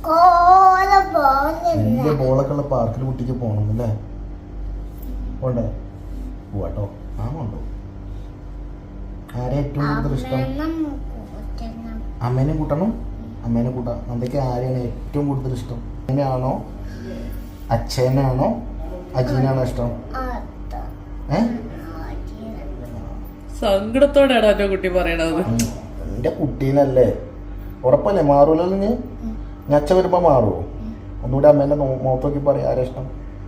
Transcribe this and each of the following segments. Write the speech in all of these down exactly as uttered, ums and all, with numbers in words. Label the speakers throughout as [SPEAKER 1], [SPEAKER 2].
[SPEAKER 1] വലിയ ബോളൊക്കെ ഉള്ള പാർക്കിൽ കുട്ടിക്ക് പോകണം അല്ലേ? പോണ്ടേ? പോവാട്ടോ. ആ കൊണ്ടോ. ആരെ ഏറ്റവും കൂടുതൽ ഇഷ്ടം? അമ്മേനെ കൂട്ടണം. അമ്മേനെ കൂട്ടാം. എന്തൊക്കെ ആരെയാണ് ഏറ്റവും കൂടുതൽ ഇഷ്ടം? അമ്മേനാണോ അച്ഛനാണോ അജീനാണോ ഇഷ്ടം? ഏ
[SPEAKER 2] സങ്കടത്തോടെയാണ് എന്റെ കുട്ടി പറയണത്.
[SPEAKER 1] എന്റെ കുട്ടീനല്ലേ, ഉറപ്പല്ലേ? മാറൂലല്ലോ. നീ ഞാൻ അച്ഛൻ വരുമ്പോ മാറുമോ? ഒന്നുകൂടെ അമ്മേന്റെ മുഖത്ത് നോക്കി പറയാം. ആരാ ഇഷ്ടം?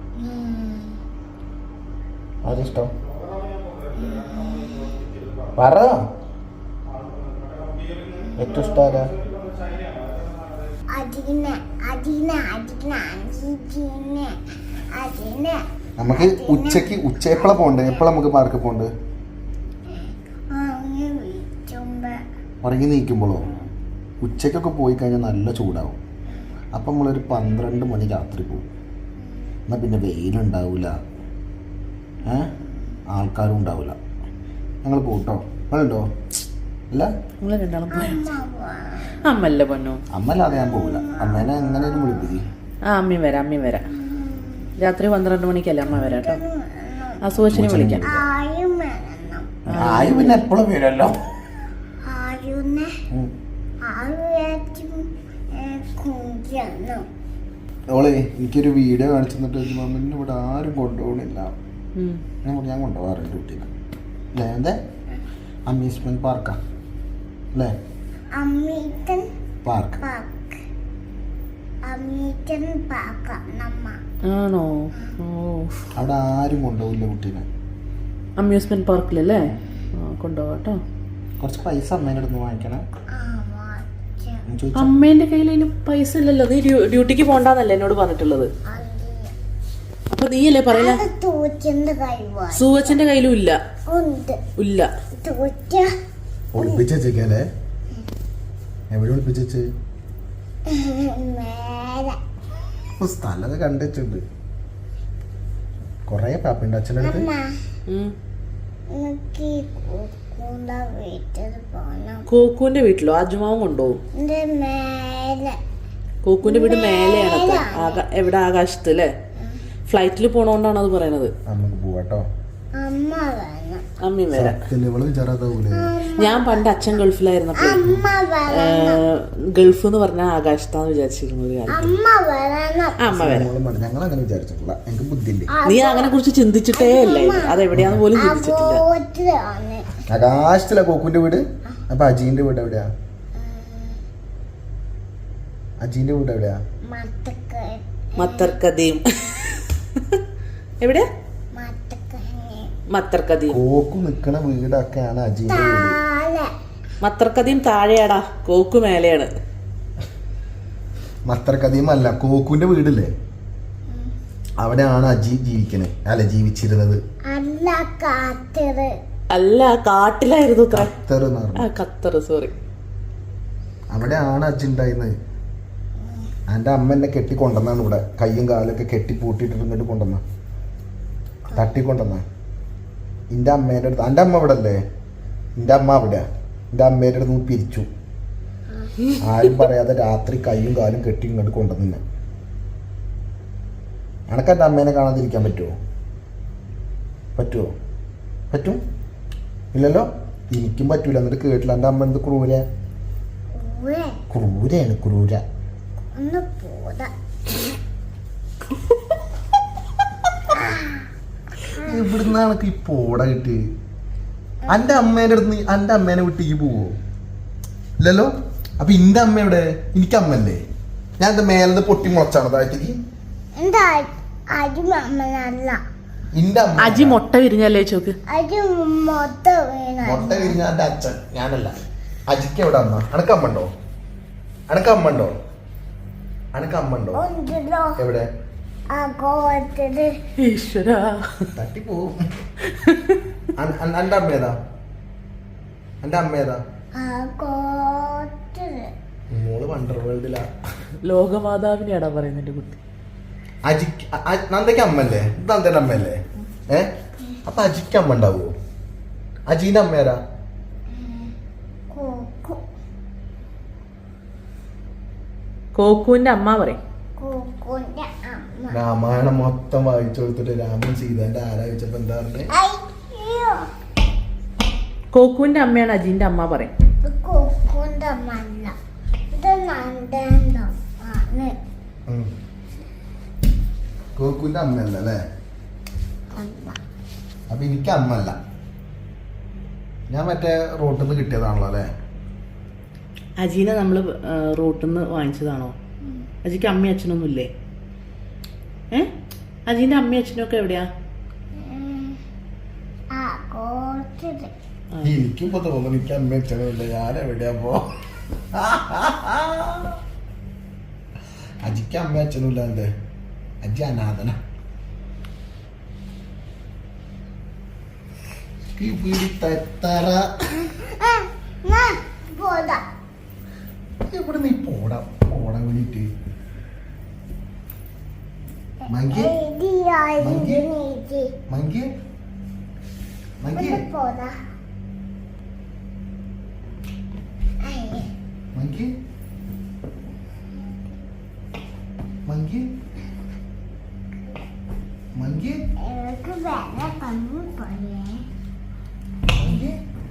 [SPEAKER 1] ആരാ ഇഷ്ടം? പറ. ഏറ്റവും ഇഷ്ടം ആരാ? നമുക്ക് ഉച്ചക്ക് ഉച്ച എപ്പോഴാ പോണ്ടേ? എപ്പോഴാ നമുക്ക് പാർക്ക് പോണ്ട്? ഉറങ്ങി നീക്കുമ്പോഴോ? ഉച്ചക്കൊക്കെ പോയി കഴിഞ്ഞാൽ നല്ല ചൂടാവും. അപ്പം നമ്മളൊരു പന്ത്രണ്ട് മണി രാത്രി പോകും. എന്നാൽ പിന്നെ വെയിലുണ്ടാവില്ല, ഏ ആൾക്കാരും ഉണ്ടാവില്ല. ഞങ്ങൾ പോട്ടോ. നിങ്ങളുണ്ടോ? അല്ല
[SPEAKER 2] നിങ്ങൾ രണ്ടാളും അമ്മല്ല പൊന്നോ.
[SPEAKER 1] അമ്മല്ലാതെ ഞാൻ പോകില്ല. അമ്മേനെ എങ്ങനെയും വിളിപ്പിക്കും.
[SPEAKER 2] ആ അമ്മയും വരാം, അമ്മയും വരാം. രാത്രി പന്ത്രണ്ട് മണിക്കല്ലേ അമ്മ വരാം കേട്ടോ. ആ സുവച്ചിനെ വിളിക്കാം.
[SPEAKER 1] ആയി പിന്നെ എപ്പോഴും വരുമല്ലോ. ഓളെ എനിക്കൊരു വീഡിയോ കാണിച്ചു തന്നിട്ട് മമ്മിന് ഇവിടെ ആരും കൊണ്ടുപോകണില്ല. ഞാൻ കൊണ്ടുപോകാറുണ്ട് കുട്ടീനെ. അല്ലേ? എന്താ അമ്യൂസ്മെന്റ് പാർക്കാ അല്ലേ? പാർക്ക്
[SPEAKER 2] ആണോ?
[SPEAKER 1] അവിടെ ആരും കൊണ്ടുപോകില്ല കുട്ടീനെ.
[SPEAKER 2] അമ്യൂസ്മെന്റ് പാർക്കിലല്ലേ? കൊണ്ടുപോകാട്ടോ.
[SPEAKER 1] കുറച്ച് പൈസ അമ്മേൻ്റെ അടുത്ത് വാങ്ങിക്കണം.
[SPEAKER 2] അമ്മേന്റെ കയ്യിൽ അതിന് പൈസ ഇല്ലല്ലോ. നീ ഡ്യൂട്ടിക്ക് പോണ്ടെന്നല്ലേ എന്നോട് പറഞ്ഞിട്ടുള്ളത്? അപ്പൊ നീയല്ലേ പറയില്ല. സൂവച്ചന്റെ കയ്യിലും ഇല്ല. ഇല്ല.
[SPEAKER 1] ഒളിപ്പിച്ചേക്കല്ലേ? എവിടെ ഒളിപ്പിച്ചേ? സ്ഥലമൊക്കെ കണ്ടുവച്ചിട്ടുണ്ട്. കൊറേ പാപ്പുണ്ട് അച്ഛൻ്റെ അടുത്ത്.
[SPEAKER 2] കോക്കുവിന്റെ വീട്ടിലോ? അജുമാവും കൊണ്ടുപോകും. കോക്കുവിന്റെ വീട് മേലെയാണ്. എവിടെ? ആകാശത്ത് അല്ലേ? ഫ്ലൈറ്റിൽ പോണോണ്ടാണ് അത് പറയണത്.
[SPEAKER 1] നമുക്ക് പോവാട്ടോ.
[SPEAKER 2] അമ്മയും വരാം. ഞാൻ പണ്ട് അച്ഛൻ ഗൾഫിലായിരുന്നപ്പോ ഗൾഫ് എന്ന് പറഞ്ഞാൽ ആകാശത്താന്ന് വിചാരിച്ചിരുന്ന ഒരു കാര്യം. അമ്മ വരാം. നീ അങ്ങനെ കുറിച്ച് ചിന്തിച്ചിട്ടേ അല്ലേ? അതെവിടെയാന്ന് പോലും ചിന്തിച്ചിട്ടില്ല.
[SPEAKER 1] ആകാശത്തിലാ കോക്കുന്റെ വീട്. അപ്പൊ അജീന്റെ വീട് എവിടെയാ? അജീന്റെ വീട് എവിടെയാ?
[SPEAKER 2] മത്തർക്കദീം. എവിടെയാ? മത്തർക്കദീം.
[SPEAKER 1] കോക്കു നിക്കണ വീടൊക്കെയാണ് അജീന്റെ വീട്.
[SPEAKER 2] മത്തർക്കദീം താഴെയാടാ, കോക്കു മേലെയാണ്.
[SPEAKER 1] മത്തർക്കദീം അല്ല, കോക്കുന്റെ വീടില്ലേ അവിടെയാണ് അജി ജീവിക്കണേ. അല്ല, ജീവിച്ചിരുന്നത്.
[SPEAKER 2] അല്ല, കാട്ടിലായിരുന്നു.
[SPEAKER 1] ഖത്തർ.
[SPEAKER 2] Qatar, sorry.
[SPEAKER 1] അവിടെയാണ് അജി ഉണ്ടായിരുന്നത്. എൻ്റെ അമ്മ എന്നെ കെട്ടി കൊണ്ടുവന്നാണ് ഇവിടെ. കയ്യും കാലൊക്കെ കെട്ടി പൂട്ടിയിട്ട് ഇങ്ങോട്ട് കൊണ്ടുവന്ന തട്ടിക്കൊണ്ടുവന്ന എൻ്റെ അമ്മേൻ്റെ അടുത്ത്. എൻ്റെ അമ്മ ഇവിടെ അല്ലേ? എൻ്റെ അമ്മ അവിടെ. എൻ്റെ അമ്മേൻ്റെ അടുത്ത് നിന്ന് പിരിച്ചു. ആരും പറയാതെ രാത്രി കയ്യും കാലും കെട്ടി ഇങ്ങോട്ട് കൊണ്ടുവന്നെ. എനക്ക് എൻ്റെ അമ്മേനെ കാണാതിരിക്കാൻ പറ്റുമോ? പറ്റുമോ? പറ്റും? ഇല്ലല്ലോ. എനിക്കും പറ്റൂല. എന്നിട്ട് കേട്ടില്ല. എൻ്റെ അമ്മ എന്ത് ക്രൂര ക്രൂരയാണ്. ക്രൂര. ഇവിടുന്നാണ് ഈ പോട കിട്ടി. എൻ്റെ അമ്മേൻ്റെ അടുത്ത് എൻ്റെ അമ്മേനെ വിട്ടേക്ക് പോവോ? ഇല്ലല്ലോ. അപ്പൊ എന്റെ അമ്മ എവിടെ? എനിക്ക് അമ്മല്ലേ? ഞാൻ എന്താ മേലത് പൊട്ടി മുളച്ചാണ് താഴത്തേക്ക്?
[SPEAKER 2] അജി മുട്ട വിരിഞ്ഞല്ലേ ചോക്ക്?
[SPEAKER 1] മുട്ട വിരിഞ്ഞ എന്റെ അച്ഛൻ, ഞാനല്ല. അജിക്ക് എവിടെ അമ്മ? അനക്ക് അമ്മ ഉണ്ടോ? അനക്ക് അമ്മ ഉണ്ടോ? അനക്ക് അമ്മ ഉണ്ടോ? എവിടെ? തട്ടിപ്പോവും. എന്റെ അമ്മ ഏതാ? എന്റെ അമ്മ ഏതാ? മോള് വണ്ടർ വേൾഡിലാ.
[SPEAKER 2] ലോകമാതാവിനെയാടാ പറയുന്നത് എന്റെ കുട്ടി.
[SPEAKER 1] അജിക്ക് നന്ദയ്ക്ക് അമ്മല്ലേ? നന്ദന്റെ അമ്മയല്ലേ? ഏ അപ്പൊ അജിക്ക് അമ്മ ഉണ്ടാവോ? അജീന്റെ അമ്മയാരാ?
[SPEAKER 2] കോക്കുവിന്റെ അമ്മ പറയും.
[SPEAKER 3] കോക്കുന്റെ അമ്മ.
[SPEAKER 1] രാമായണം മൊത്തം വായിച്ചു കൊടുത്തിട്ട് രാമൻ സീതന്റെ ആരാ ചോദിച്ചപ്പോ എന്താ പറഞ്ഞേ?
[SPEAKER 3] അയ്യോ,
[SPEAKER 2] കോക്കുവിന്റെ അമ്മയാണ് അജീന്റെ അമ്മ പറയും.
[SPEAKER 3] ഇത് കോക്കുന്റെ അമ്മ അല്ല, ഇത് നന്ദന്റെ ആണ്.
[SPEAKER 1] ഉം. കോക്കുന്റെ അമ്മയല്ല അല്ലേ?
[SPEAKER 3] അമ്മ.
[SPEAKER 1] അപ്പൊ എനിക്ക് അമ്മല്ല, ഞാൻ മറ്റേ റോട്ടിൽ നിന്ന് കിട്ടിയതാണല്ലോ അല്ലേ?
[SPEAKER 2] അജീനെ നമ്മള് റോട്ടിൽ നിന്ന് വാങ്ങിച്ചതാണോ? അജിക്ക് അമ്മയും അച്ഛനൊന്നും ഇല്ലേ? ഏ അജീന്റെ അമ്മയും അച്ഛനും ഒക്കെ എവിടെയാ?
[SPEAKER 3] ഉം. ആ കോച്ചിട്ട്.
[SPEAKER 2] ആ.
[SPEAKER 1] എനിക്കിപ്പോ തോന്നുന്നു എനിക്ക് അമ്മ അച്ഛനുമില്ല, ഞാൻ എവിടെയാ പോ. അജിക്ക് അമ്മ അച്ഛനുമില്ല, എന്റെ അജി അനാഥന.
[SPEAKER 3] പോടാ.
[SPEAKER 1] എവിടെ നീ പോടാ പോടാൻ വേണ്ടിട്ട്? മങ്കി മങ്കി മങ്കി മങ്കി
[SPEAKER 3] പോടാ.
[SPEAKER 1] മങ്കി മങ്കി മങ്കി
[SPEAKER 3] എനിക്ക് വേറെ കണ്ണു പോയേ.
[SPEAKER 1] മങ്കി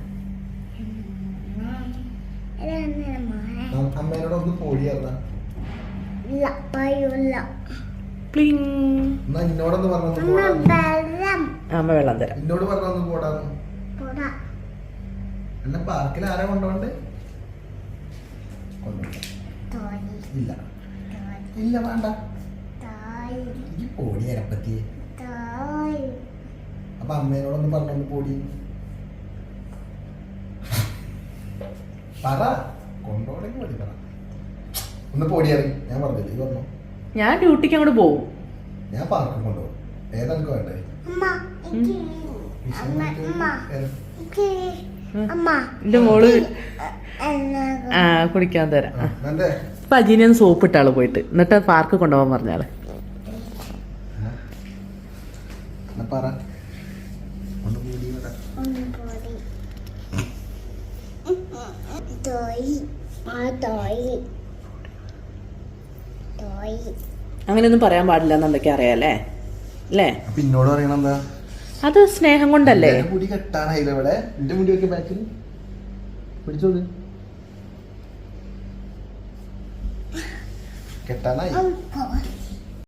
[SPEAKER 3] ഇതെന്നെ മോനെ.
[SPEAKER 1] അമ്മേനോടൊന്ന് പോടിയല്ല.
[SPEAKER 3] ഇല്ല, പയ്യുള്ള.
[SPEAKER 2] പ്ലിങ്.
[SPEAKER 1] എന്നാ എന്നോടൊന്ന് പറഞ്ഞു
[SPEAKER 3] അമ്മ
[SPEAKER 1] പോടാ.
[SPEAKER 3] വെള്ളം.
[SPEAKER 2] അമ്മ വെള്ളം തരാം.
[SPEAKER 1] എന്നോട് പറഞ്ഞു പോടാന്ന്.
[SPEAKER 3] പോടാ.
[SPEAKER 1] എന്നെ പാർക്കിൽ ആരാ കൊണ്ടോണ്ട്? കൊണ്ടുപോണ്ട.
[SPEAKER 3] തോന്നി.
[SPEAKER 1] ഇല്ല
[SPEAKER 3] തോന്നി.
[SPEAKER 1] ഇല്ല വേണ്ട.
[SPEAKER 3] തോന്നി.
[SPEAKER 1] ഈ പോടി അരപ്പത്തി.
[SPEAKER 3] തോന്നി.
[SPEAKER 1] അപ്പൊ അമ്മേനോടൊന്ന് പറഞ്ഞൊന്ന് പോടി പറ. കൊണ്ടോടെങ്കിൽ മതി പറ. ഒന്ന് പോടിയറി. ഞാൻ പറഞ്ഞില്ലേ, ഇത് പറഞ്ഞു.
[SPEAKER 2] ഞാൻ ഡ്യൂട്ടിക്ക് അങ്ങോട്ട് പോവും.
[SPEAKER 1] ഞാൻ പാർക്കിൽ കൊണ്ടുപോകും. ഏതാ എനിക്ക് വേണ്ടേ?
[SPEAKER 3] അമ്മ, എനിക്ക് അമ്മ, അമ്മ, എനിക്ക് അമ്മ.
[SPEAKER 2] എന്റെ മോള്
[SPEAKER 3] എന്നാ
[SPEAKER 2] ആ കുടിക്കാൻ തരാം. ആ.
[SPEAKER 1] എന്റെ
[SPEAKER 2] അപ്പൊ അജീനെ ഒന്ന് സോപ്പ് ഇട്ടാള് പോയിട്ട്, എന്നിട്ട് പാർക്ക് കൊണ്ടുപോകാൻ പറഞ്ഞാള്.
[SPEAKER 1] എന്നാ പറ. ഒന്ന് പോടി വരാ.
[SPEAKER 3] ഒന്ന് പോടി. തോയി. ആ തോയി. തോയി.
[SPEAKER 2] അങ്ങനെയൊന്നും പറയാൻ പാടില്ല എന്നുള്ളതൊക്കെ അറിയാലേ അല്ലേ?
[SPEAKER 1] അപ്പൊ എന്നോട് പറയണ എന്താ?
[SPEAKER 2] അത് സ്നേഹം കൊണ്ടല്ലേ?
[SPEAKER 1] എന്റെ മുടി കെട്ടാനായില്ല ഇവിടെ. എന്റെ മുടി ഒക്കെ ബാക്കിൽ പിടിച്ചോളൂ. കെട്ടാനായി.
[SPEAKER 3] അമ്മ.